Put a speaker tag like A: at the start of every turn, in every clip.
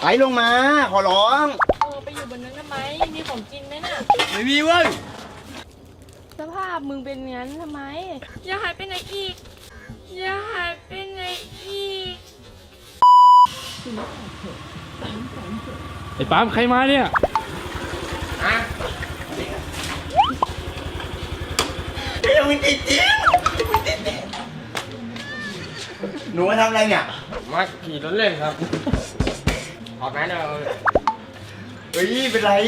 A: ไอ้ลงมาขอร้อง
B: ไปอยู่บนนั้นทำไมมีของกินไหมน่ะ
A: ไม่มีเว้ย
B: สภาพมึงเป็นงั้นทำไมอย่าหายไปไหนอีกอย่าหายไปไหนอีก
C: ไอ้ปั๊มใครมาเนี่ย
A: ยังไม่ติดจริงหนูมาทำอะไรเนี่ย
C: มาขี่รถเล่นครับออกไหนเนาะ
A: เฮ้ยเป็นไร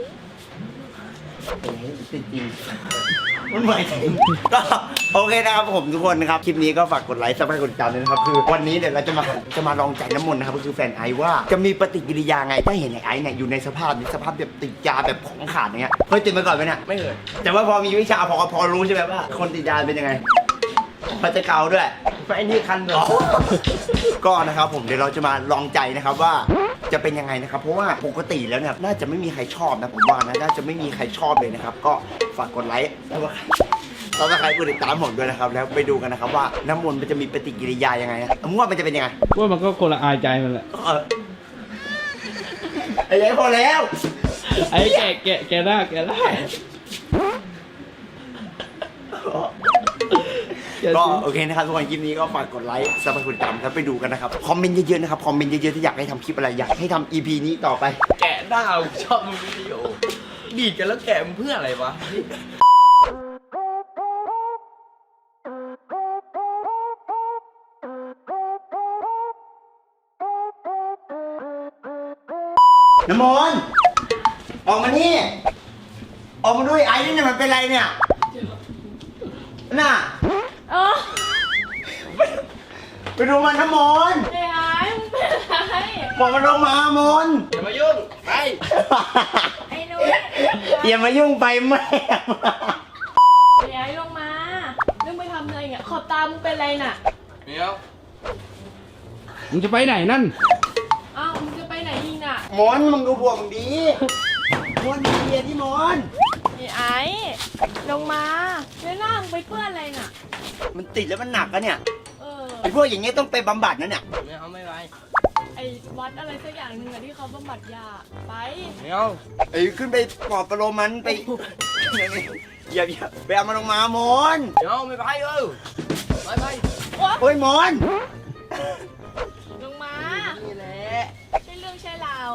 A: ติดจริงมันใหม่จริงก็โอเคนะครับผมทุกคนนะครับคลิปนี้ก็ฝากกดไลค์ซับสไครต์กดติดตามด้วยนะครับคือวันนี้เดี๋ยวเราจะมาลองใจน้ำมนต์นะครับก็คือแฟนไอว่าจะมีปฏิกิริยาไงถ้าเห็นไอเนี่ยอยู่ในสภาพแบบติดยาแบบของขาดอย่างเงี้ยเคยติดมาก่อนไหมเนี่ย
C: ไม่เคย
A: แต่ว่าพอมีวิชาพอรู้ใช่ไหมว่าคนติดยาเป็นยังไงมันจะเกาด้วยไอ้นี่คันเหรอก็นะครับผมเดี๋ยวเราจะมาลองใจนะครับว่าจะเป็นยังไงนะครับเพราะว่าปกติแล้วเนี่ยน่าจะไม่มีใครชอบนะผมว่านะน่าจะไม่มีใครชอบเลยนะครับก็ฝากกดไลค์แล้วก็ใครกดติดตามผมด้วยนะครับแล้วไปดูกันนะครับว่าน้ำมนต์มันจะมีปฏิกิริยายังไงนะมึงว่ามันจะเป็นยังไง
C: ว่ามันก็คนละอายใจมันแหละ
A: ไอ้ยัยพอแล้ว
C: ไอ้แกได้
A: ก็โอเคนะครับทุกคนคลิปนี้ก็ฝากกดไลค์ซับสไครต์กดติดตามครับไปดูกันนะครับคอมเมนต์เยอะๆนะครับคอมเมนต์เยอะๆที่อยากให้ทำคลิปอะไรอยากให้ทำ EP นี้ต่อไป
C: แกะดาวชอบมึงวิดีโอดีดกันแล้วแกะมึงเพื่ออะไรวะ
A: น้ำมนต์ออกมานี่ออกมาด้วยไอ้นี่มันเป็นไรเนี่ยน่ะไปดูมันน้ำมนต์
B: ไอ้มึงเป็นไร
A: บอกมันลงมามนต์
C: อย่ามายุ่งไป
B: ไอ้นุ้ย
A: อย่ามายุ่งไปแม่
B: ไอ้ลงมาเรื่องไปทำอะไรเนี่ยขอบตามึงเป็นไรน่ะ
C: เดี๋ยวมึงจะไปไหนนั่น
B: อ้าวมึงจะไปไหนอีกน่ะ
A: มนต์มึงดูบวกมึงดีมนต์ดีที่มนต์
B: ไอ้ลงมาแล้วหน้ามึงไปเปื้อนอะไรน่ะ
A: มันติดแล้วมันหนักอะเนี่ยไอ้พวกอย่างเงี้ยต้องไปบำบัดนะเนี่ย
C: ไม่ไป
B: ไอ้วัดอะไรสักอย่างหนึ่งอะที่เขาบำบัดยาไป
C: ไม่เอา
A: ไอ้ขึ้นไปปลอบประโลมมันไปอย่าไปเอามันลงมามนต์
C: เดี๋ยวไม่ไปไป
A: โอ้ยมนต์
B: ลงมา
C: นี่แหละ
B: ใช่เรื่องใช่ราว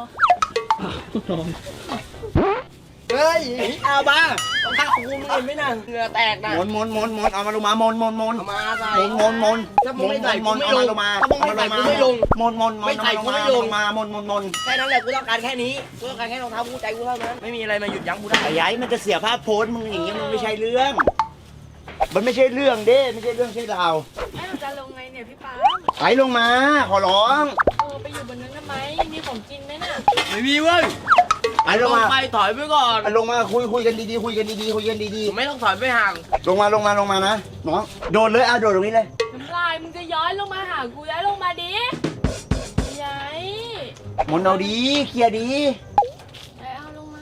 A: เฮ้ยเอาบ้า
C: ต้องฆ่ากูมึงเห็นไหมน่ะเหงื่อแตกน่ะ
A: มนเอามาลงมามน
C: เอามาใส่
A: ม
C: ถ้ามึงไม่ใส่กูไม่ลง
A: ถ้ามึงไม่ใส่กูไม่ลง
C: ไม่ใส่กูไม่ลง
A: มามน
C: แค่นั้นแหละกูต้องการแค่นี้กูต้องการแค่รองเท้ากูใจกูเท่านั้นไม่มีอะไรมาหยุดยั้งกูได้
A: ไอ้ยัยมันจะเสียภาพโพสมึงอย่างเงี้ยมันไม่ใช่เรื่องมันไม่ใช่เรื่องเด้ไม่ใช่เรื่องใช่ราว
B: ไอ้หนูจะลงไงเนี่ยพี่ป๊า
A: ไอ้ลงมาขอร้อง
B: ไปอยู่บนนั้นทำไมมีของกินไหมน่ะ
C: ไม่มีเว้ย
A: ไอ้ลงมา
C: ไปถอยไปก่อน
A: ลงมาคุยกันดีๆคุยกันดี
C: ๆไม่ต้องถอยไปห่าง
A: ลงมานะน้องโดดเลยโดดตรงนี้เลย
B: น้ำลายมึงจะย้อยลงมาหากูย้อยลงมาดิย้าย
A: มนเอาดีเคลียร์ดี
B: เอาลงมา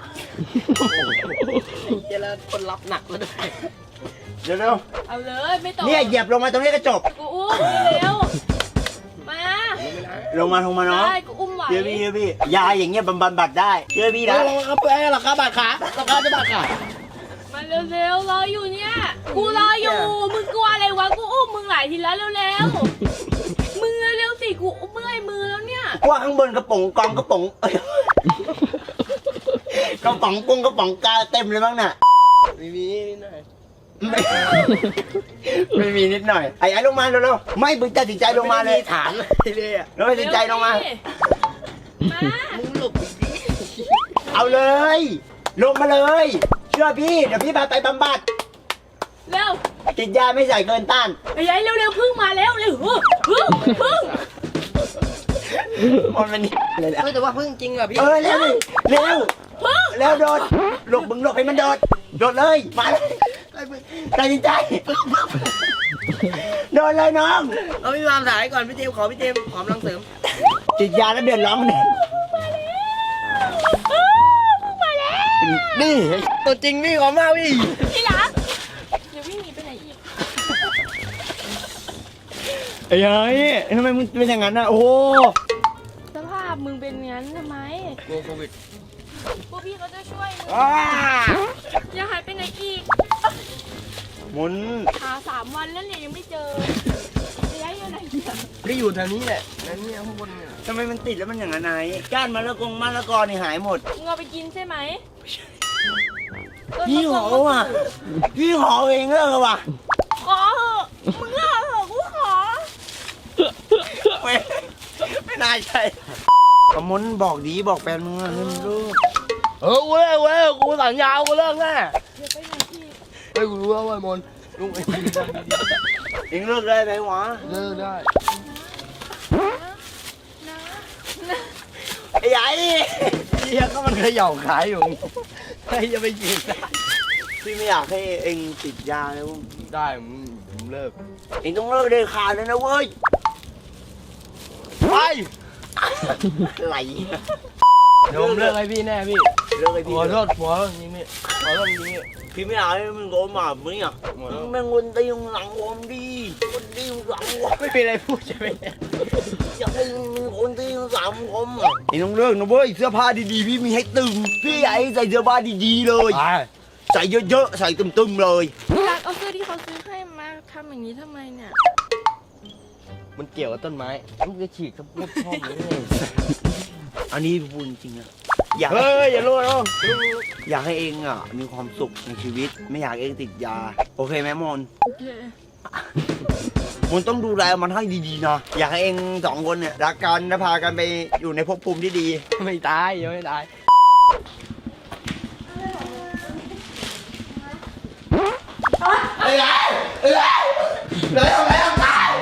C: เจริญคนรับหนักแล้วด้วย
A: เร็ว
B: เอาเลยไม่ต้อง
A: เนี่ยเหยียบลงมาตรงนี้ก็จบ
B: กูอุ้มเร็วมา
A: ลงมาน้อง
B: กูอุ้มไหว
A: เชื่อพี่ยาอย่างเงี้ยบำบัดได้เชื่อพี่นะ
C: เอาไปหรอครับบาดขาราคาจะบาดขา
B: มาเร็วรออยู่เนี่ยกูรออยู่มึงกลัวอะไรวะกูอุ้มมึงหลายทีแล้วเร็วมึงเร็วสิกูเมื่อยมือแล้วเนี่ย
A: ว่าข้างบนกระป๋องกองกระป๋องกระป๋องกุ้งกระป๋องกาเต็มเลยมั้งน่ะ
C: ไม่มีนิดหน่อย
A: ไม่มีนิดหน่อยไอ้ลงมาเร็วไม่บึ้งตัดสินใจลงมาเลย
C: ถามเลย
A: แล้วตัดสินใจลงมา
C: มึงหลบ
A: เอาเลยลงมาเลยเชื่อพี่เดี๋ยวพี่พาไปบำบัด
B: เร็ว
A: ติดยาไม่ใส่เกินต้าน
B: ไอ้ยัยเร็วพึ่งมาแล้วพึ่ง
A: มันนี่เลยแหละ
C: แต่ว่าพึ่งจริงอ่ะพี่
A: เร็วโดดหลบมึงหลบให้มันโดดเลยมาตัดสินใจโดนเลยน้อง
C: เอาพี่วามสายก่อนพี่เจมขอพี่เจมหอมรังเสริม
A: ติดยาแล้วเดือดร้อนเนี่ยนี่
C: ตัวจริงพี่ขอมาพี่
B: ที่รักอย่าวิ่งหนีไปไหนอีก
A: ไอ้ยัยทำไมมึงเป็นอย่างนั้นนะโอ้
B: สภาพมึงเป็นเป็นงั้นทำไม
C: กลัวโควิด
B: พวกพี่เขาจะช่วยมึง
A: อ้า
B: อย่าหายไปไหนอีก
A: หมุน
B: หา3 วันแล้วเนี่ยยังไม่เจอจะย้ายอยู่ไหนเนี่ย
C: ก็อยู่แถวนี้แหละนั่นเนี่ยข้างบนเนี่ย
A: ทำไมมันติดแล้วมันอย่างนั้นไหนก้านมะละกอนี่หายหมด
B: มึงเอาไปกินใช่ไหม
A: พี่หอว่ะพี่หอเองเลิกว่ะ
B: ขอเหอะมึงเลิกเหอะกูขอ
A: ไม่น่าใช่ขมุนบอกดีบอกแฟนมึงอ่ะนี่มึงรู้
C: กูเลิกกูสัญญากูเลิกแน่
B: อย่าไปไหนอีก
C: เฮ้ยกูรู้แล้วว่าไอ้มนลุงไอ้ดี
A: เองเลิกได้ไหมวะ
C: เลิกได้
B: นะ
A: ไอ้ใหญ่เฮียก็มันเขย่าขายอยู่ใครจะไปกินได้พี่ไม่อยากให้เองติดยาเลยวุ้ง
C: ได้ผมเลิก
A: เองต้องเลิกเด็ดขาดเลยนะเว้ย
C: ไป
A: ไหล
C: เดี๋ยวผมเลิกให้พี่แน่พี่
A: เลิกไอ้พี่
C: ขอโทษหัวจริงพี่ขอโทษจริงพี่
A: พี่ไม่อยากให้มึงโดนหมามึงอ่ะมึงแม่งวนตีมึงหลังผมดีวนตีมึงหลังผม
C: ไม่มีอะไรพูดใช่ไหม
A: อยากให้มึงวนตีมึงหลังผมอ่ะเองต้องเลิกนะเว้ยเสื้อผ้าดีๆพี่มีให้ตึงพี่อยากให้ใส่เสื้อผ้าดีๆเลย
C: ไป
A: ใส่เยอะๆใส่ตึมๆเลย
B: พี่รักเอาเสื้อที่เขาซื้อให้มาทำอย่างนี้ทำไมเนี่ย
C: มันเกี่ยวกับต้นไม้มันจะฉีกทั้งหมดช่องนี้เลย
A: อันนี้พูดจริงๆอะอยาก
C: เฮ้ยอย่ารู้นะ
A: อยากให้เองอ่ะมีความสุขในชีวิต ไม่อยากเองติดยา โอเคไหมมน
B: โอเค
A: มนต้องดูแลมันให้ดีๆนะอยากให้เองสองคนเนี่ยรักกันและพากันไปอยู่ในภพภูมิที่ดี
C: ไม่ตายยังไม่ตาย
A: เอ้ยเลยทำไมต้องตาย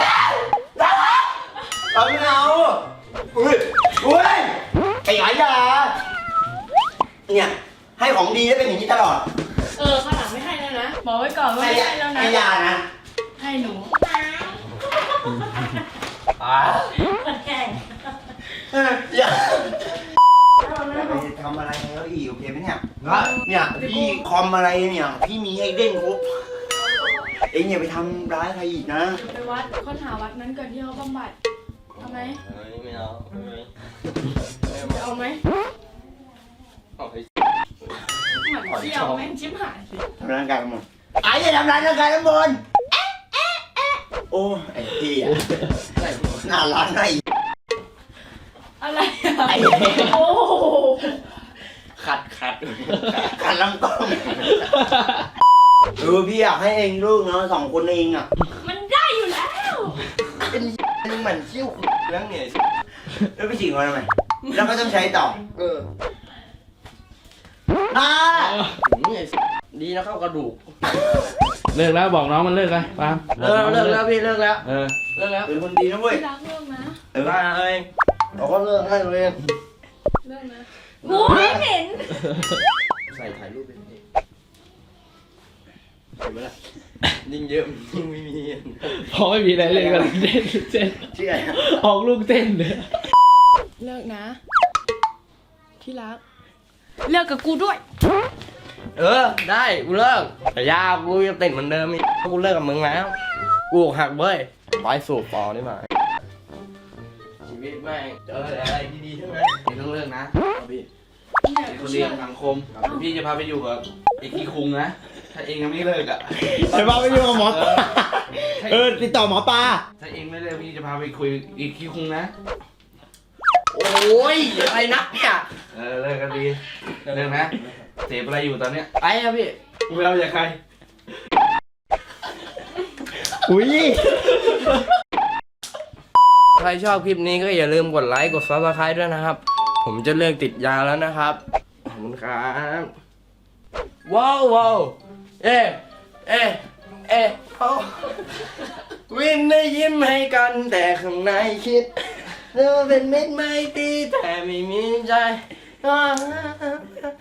A: เราไม่เอาอุ้ยไอ้หายาเนี่ยให้ของดีได้เป็นอย่างนี้ตลอด
B: ข้างหลังไม่ให้แล้วนะ บอกไว้ก่อนว่าไม่ให้แล้วนะ
A: ให้ยานะ
B: ให้หนู มันแข่ง
A: อย่าไปทำอะไรแล้วอีกโอเคไหมเนี่ยเนี่ยพี่คอมอะไรเนี่ยพี่มีให้เล่นครบเองอย่าไปทำร้ายใครอีกนะ
B: ไปวัดค้นหาวัดนั้นก่อนที่เขาบำบัดเอาไหม
C: ไม่เอา
B: เอาไหม
C: เอาไป
B: เหมือนเที่ยวแม่งชิบหายสิ
A: ทำร่างกายกันหมดไอ้อย่าทำร้ายร่างกายกันหมดโอ้ไอ้พี่อะน่ารักไอ้
B: อะไรอ่ะ
A: ไอ้
B: โอ้โห
C: ขัด
A: ขันลำกล้องพี่อยากให้เองลูกเนาะสองคนเองอ่ะ
B: มันได้อยู่แล้ว
A: เป็นเหมือนเชี่ยว
C: เรื่องเนี่ย
A: แล้วไปฉีกมาทำไมแล้วก็ต้องใช้ต่ออ่า
C: ดีนะเข้ากระดูก
D: เลิกแล้วบอกน้องมันเลิกเลยปาล์ม
C: เลิกแล้วพี่เลิกแล้ว
D: เออ
C: เลิกแล้ว
A: เป็นคนดีนะเว้ย
B: พี่รักเลิกนะ
C: ได้เลยเราก็เลิกให้เลย
B: เลิกนะโอ้ยเหม็น
C: ใส่ถ่ายรูปไปดิเห็นไหมล่ะยิ่งเยอะยิ่งไม่มี
D: พอไม่มีอะไรเลยก็เต้นเต้น
A: ชื่ออะไร
D: ออกลูกเต้นเลย
B: เลิกนะที่รักเลิกกับกูด้วย
C: ได้กูเลิกแต่ยากูยังติดเหมือนเดิมอีกกูเลิกกับมึงแล้วกูอกหักเว้ยไปสู่ปอนี่มาชีวิตแม่งเจออะไรดีๆทั้งนั้น
D: เองต้องเลิกนะพี่
B: เนี่ย
D: เป็นค
B: กู
D: นดี
B: เชื่อ
D: ของสังคมพี่จะพาไปอยู่กับไอ้ขี้คุงนะถ้าเองยังไม่เลิกอ่ะ
A: เดี๋ยวพาไปอยู่กับหมอปลาติดต่อหมอปลา
D: ถ้าเองไม่เลิกพี่จะพาไปคุยอีกขี้คุงนะ
C: โอ้ยอะไรนักเนี่ย
D: เลิกกันดีเลิกนะเสพอะไรอยู่ตอนเนี้ย
C: ไปอะพี่
D: กูไม่เอาจากใคร
A: อุ้ย
C: ใครชอบคลิปนี้ก็อย่าลืมกดไลค์กด Subscribe ด้วยนะครับ ผมจะเลิกติดยาแล้วนะครับขอบคุณครับว้าวเอ๊วิ่งได้ยิ้มให้กันแต่ข้างในคิดเราเป็นมิตรไม่ตรีแต่ไม่มีใจ